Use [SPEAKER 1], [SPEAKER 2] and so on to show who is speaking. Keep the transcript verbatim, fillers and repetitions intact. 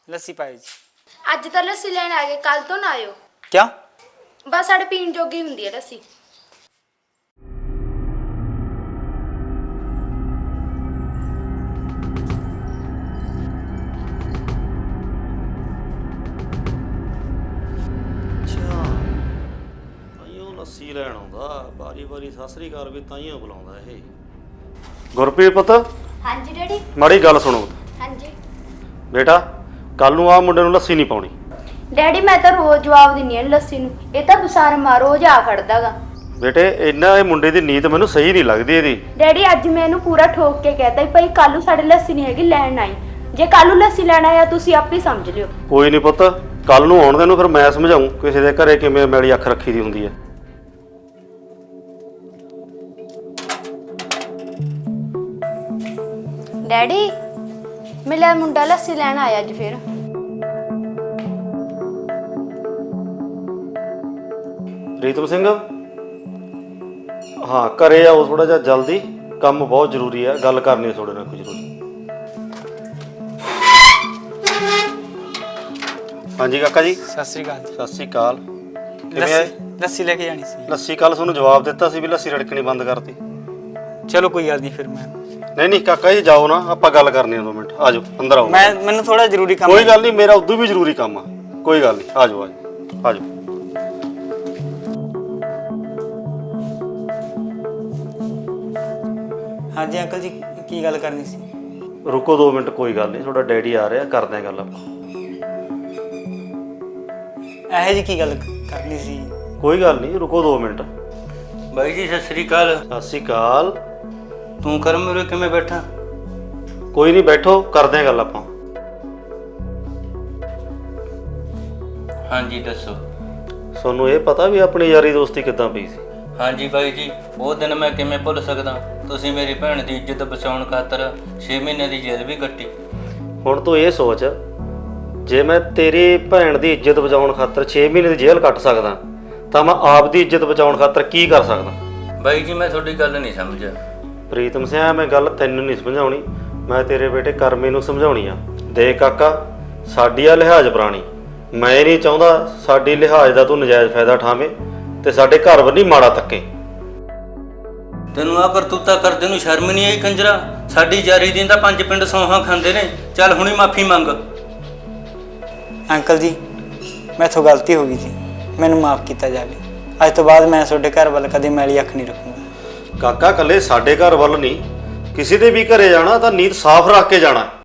[SPEAKER 1] ਲੱਸੀ ਪਾਇਓ ਜੀ।
[SPEAKER 2] ਅੱਜ ਤਾਂ ਲੱਸੀ ਲੈਣ ਆ ਗਏ, ਕੱਲ ਤੋਂ ਨਾ ਆਇਓ।
[SPEAKER 1] ਕਿਉਂ?
[SPEAKER 2] ਬਸ ਸਾਡੇ ਪੀਣ ਜੋਗੀ ਹੁੰਦੀ ਹੈ ਲੱਸੀ।
[SPEAKER 3] ਲੱਸੀ ਲੈਣ ਆਉਂਦਾ ਵਾਰੀ ਵਾਰੀ ਸਤਿ ਸ੍ਰੀ ਅਕਾਲ ਵੀ ਤਾਈਓ ਬੁਲਾਉਂਦਾ ਇਹ। ਗੁਰਪ੍ਰੀਤ ਪੁੱਤ,
[SPEAKER 2] ਹਾਂਜੀ ਡੈਡੀ।
[SPEAKER 3] ਮਾੜੀ ਗੱਲ ਸੁਣੋ
[SPEAKER 2] ਹਾਂਜੀ
[SPEAKER 3] ਬੇਟਾ, ਕੱਲ ਨੂੰ ਆ ਮੁੰਡੇ ਨੂੰ ਲੱਸੀ ਨਹੀਂ ਪਾਉਣੀ।
[SPEAKER 2] ਡੈਡੀ ਮੈਂ ਤਾਂ ਰੋਜ਼ ਜਵਾਬ ਦਿੰਨੀ ਆ ਲੱਸੀ ਨੂੰ, ਇਹ ਤਾਂ ਬਸਾਰਮਾ ਰੋਜ਼ ਆ ਖੜਦਾਗਾ।
[SPEAKER 3] ਬੇਟੇ ਇਹਨਾਂ ਇਹ ਮੁੰਡੇ ਦੀ ਨੀਤ ਮੈਨੂੰ ਸਹੀ ਨਹੀਂ ਲੱਗਦੀ ਇਹਦੀ।
[SPEAKER 2] ਡੈਡੀ ਅੱਜ ਮੈਂ ਇਹਨੂੰ ਪੂਰਾ ਠੋਕ ਕੇ ਕਹਿਤਾ ਵੀ ਭਾਈ ਕੱਲ ਨੂੰ ਸਾਡੇ ਲੱਸੀ ਨਹੀਂ ਹੈਗੀ, ਲੈਣ ਆਈ। ਜੇ ਕੱਲ ਨੂੰ ਲੱਸੀ ਲੈਣ ਆਇਆ ਤੁਸੀਂ ਆਪੇ ਸਮਝ ਲਿਓ।
[SPEAKER 3] ਕੋਈ ਨਹੀਂ ਪੁੱਤ, ਕੱਲ ਨੂੰ ਆਉਣ ਦੇ ਨੂੰ ਫਿਰ ਮੈਂ ਸਮਝਾਉਂ ਕਿਸੇ ਦੇ ਘਰੇ ਕਿਵੇਂ ਮੈਲੀ ਅੱਖ ਰੱਖੀ ਦੀ ਹੁੰਦੀ ਹੈ।
[SPEAKER 2] ਡੈਡੀ ਮੇਰਾ ਮੁੰਡਾ ਲੱਸੀ ਲੈਣ ਆਇਆ ਅੱਜ ਫਿਰ।
[SPEAKER 3] ਰੀਤਮ ਸਿੰਘ, ਹਾਂ ਘਰੇ ਆਓ ਥੋੜਾ ਜਿਹਾ ਜਲਦੀ, ਕੰਮ ਬਹੁਤ ਜ਼ਰੂਰੀ ਹੈ, ਗੱਲ ਕਰਨੀ ਹੈ ਤੁਹਾਡੇ ਨਾਲ ਕੋਈ ਜ਼ਰੂਰੀ। ਹਾਂਜੀ ਕਾਕਾ ਜੀ।
[SPEAKER 1] ਸਤਿ ਸ੍ਰੀ ਅਕਾਲ ਜੀ।
[SPEAKER 3] ਸਤਿ ਸ੍ਰੀ ਅਕਾਲ। ਕਿਵੇਂ ਆਏ?
[SPEAKER 1] ਲੱਸੀ ਲੱਸੀ ਲੈ ਕੇ ਜਾਣੀ ਸੀ।
[SPEAKER 3] ਲੱਸੀ ਕੱਲ ਤੁਹਾਨੂੰ ਜਵਾਬ ਦਿੱਤਾ ਸੀ ਵੀ ਲੱਸੀ ਰੜਕਣੀ ਬੰਦ ਕਰਤੀ।
[SPEAKER 1] ਚਲੋ ਕੋਈ ਗੱਲ ਨਹੀਂ ਫਿਰ ਮੈਂ
[SPEAKER 3] ਨਹੀਂ ਨਹੀਂ ਕਾਕਾ ਜੀ ਜਾਓ ਨਾ, ਆਪਾਂ ਗੱਲ ਕਰਨੀ ਆ ਦੋ ਮਿੰਟ। ਆ ਜਾਓ ਅੰਦਰ ਆਓ।
[SPEAKER 1] ਮੈਂ ਮੈਨੂੰ ਥੋੜਾ ਜ਼ਰੂਰੀ ਕੰਮ।
[SPEAKER 3] ਕੋਈ ਗੱਲ ਨਹੀਂ, ਮੇਰਾ ਉਦੋਂ ਵੀ ਜ਼ਰੂਰੀ ਕੰਮ ਆ, ਕੋਈ ਗੱਲ ਨਹੀਂ। ਆ ਜਾਓ ਆ ਜਾਓ ਆ ਜਾਓ।
[SPEAKER 1] ਹਾਂਜੀ ਅੰਕਲ ਜੀ, ਕੀ ਗੱਲ ਕਰਨੀ ਸੀ?
[SPEAKER 3] ਰੁਕੋ ਦੋ ਮਿੰਟ, ਕੋਈ ਗੱਲ ਨਹੀਂ, ਤੁਹਾਡਾ ਡੈਡੀ ਆ ਰਿਹਾ, ਕਰਦੇ ਆ ਗੱਲ ਆਪਾਂ।
[SPEAKER 1] ਇਹੋ ਜੀ ਕੀ ਗੱਲ ਕਰਨੀ ਸੀ?
[SPEAKER 3] ਕੋਈ ਗੱਲ ਨਹੀਂ, ਰੁਕੋ ਦੋ ਮਿੰਟ।
[SPEAKER 4] ਬਾਈ ਜੀ ਸਤਿ ਸ੍ਰੀ ਅਕਾਲ।
[SPEAKER 3] ਸਤਿ ਸ਼੍ਰੀ ਅਕਾਲ।
[SPEAKER 4] ਤੂੰ ਕਰਮ ਉਰੇ ਕਿਵੇਂ ਬੈਠਾ?
[SPEAKER 3] ਕੋਈ ਨਹੀਂ, ਬੈਠੋ, ਕਰਦੇ ਆ ਗੱਲ ਆਪਾਂ।
[SPEAKER 4] ਹਾਂਜੀ ਦੱਸੋ।
[SPEAKER 3] ਤੁਹਾਨੂੰ ਇਹ ਪਤਾ ਵੀ ਆਪਣੀ ਯਾਰੀ ਦੋਸਤੀ ਕਿੱਦਾਂ ਪਈ ਸੀ?
[SPEAKER 4] ਹਾਂਜੀ ਬਾਈ ਜੀ, ਉਹ ਦਿਨ ਮੈਂ ਕਿਵੇਂ ਭੁੱਲ ਸਕਦਾ। ਤੁਸੀਂ ਮੇਰੀ ਭੈਣ ਦੀ ਇੱਜ਼ਤ ਬਚਾਉਣ ਖਾਤਰ ਛੇ ਮਹੀਨੇ ਦੀ ਜੇਲ੍ਹ ਵੀ ਕੱਟੀ।
[SPEAKER 3] ਹੁਣ ਤੂੰ ਇਹ ਸੋਚ, ਜੇ ਮੈਂ ਤੇਰੀ ਭੈਣ ਦੀ ਇੱਜ਼ਤ ਬਚਾਉਣ ਖਾਤਰ ਛੇ ਮਹੀਨੇ ਦੀ ਜੇਲ੍ਹ ਕੱਟ ਸਕਦਾ ਤਾਂ ਮੈਂ ਆਪ ਦੀ ਇੱਜ਼ਤ ਬਚਾਉਣ ਖਾਤਰ ਕੀ ਕਰ ਸਕਦਾ?
[SPEAKER 4] ਬਾਈ ਜੀ ਮੈਂ ਤੁਹਾਡੀ ਗੱਲ ਨਹੀਂ ਸਮਝਿਆ।
[SPEAKER 3] ਪ੍ਰੀਤਮ ਸਿੰਘ, ਮੈਂ ਗੱਲ ਤੈਨੂੰ ਨਹੀਂ ਸਮਝਾਉਣੀ, ਮੈਂ ਤੇਰੇ ਬੇਟੇ ਕਰਮੇ ਨੂੰ ਸਮਝਾਉਣੀ ਆ। ਦੇਖ ਕਾਕਾ, ਸਾਡੀ ਆ ਲਿਹਾਜ਼ ਪੁਰਾਣੀ, ਮੈਂ ਨਹੀਂ ਚਾਹੁੰਦਾ ਸਾਡੀ ਲਿਹਾਜ਼ ਦਾ ਤੂੰ ਨਜਾਇਜ਼ ਫਾਇਦਾ ਉਠਾਵੇਂ ਤੇ ਸਾਡੇ ਘਰ ਵੱਲ ਨਹੀਂ ਮਾੜਾ ਤੱਕੇ।
[SPEAKER 4] ਤੈਨੂੰ ਆ ਕਰਤੂਤਾ ਕਰਦੇ ਨੂੰ ਸ਼ਰਮ ਨਹੀਂ ਆਈ ਕੰਜਰਾ? ਸਾਡੀ ਜਾਰੀ ਦੀ ਤਾਂ ਪੰਜ ਪਿੰਡ ਸੌਹਾਂ ਖਾਂਦੇ ਨੇ। ਚੱਲ ਹੁਣੀ ਮਾਫੀ ਮੰਗ।
[SPEAKER 1] ਅੰਕਲ ਜੀ ਮੈਥੋਂ ਗਲਤੀ ਹੋ ਗਈ ਜੀ, ਮੈਨੂੰ ਮਾਫ ਕੀਤਾ ਜਾਵੇ। ਅੱਜ ਤੋਂ ਬਾਅਦ ਮੈਂ ਤੁਹਾਡੇ ਘਰ ਵੱਲ ਕਦੇ ਮੈਲੀ ਅੱਖ ਨਹੀਂ ਰੱਖੂੰਗਾ।
[SPEAKER 3] ਕਾਕਾ, ਕੱਲੇ ਸਾਡੇ ਘਰ ਵੱਲ ਨਹੀਂ, ਕਿਸੇ ਦੇ ਵੀ ਘਰੇ ਜਾਣਾ ਤਾਂ ਨੀਤ ਸਾਫ਼ ਰੱਖ ਕੇ ਜਾਣਾ।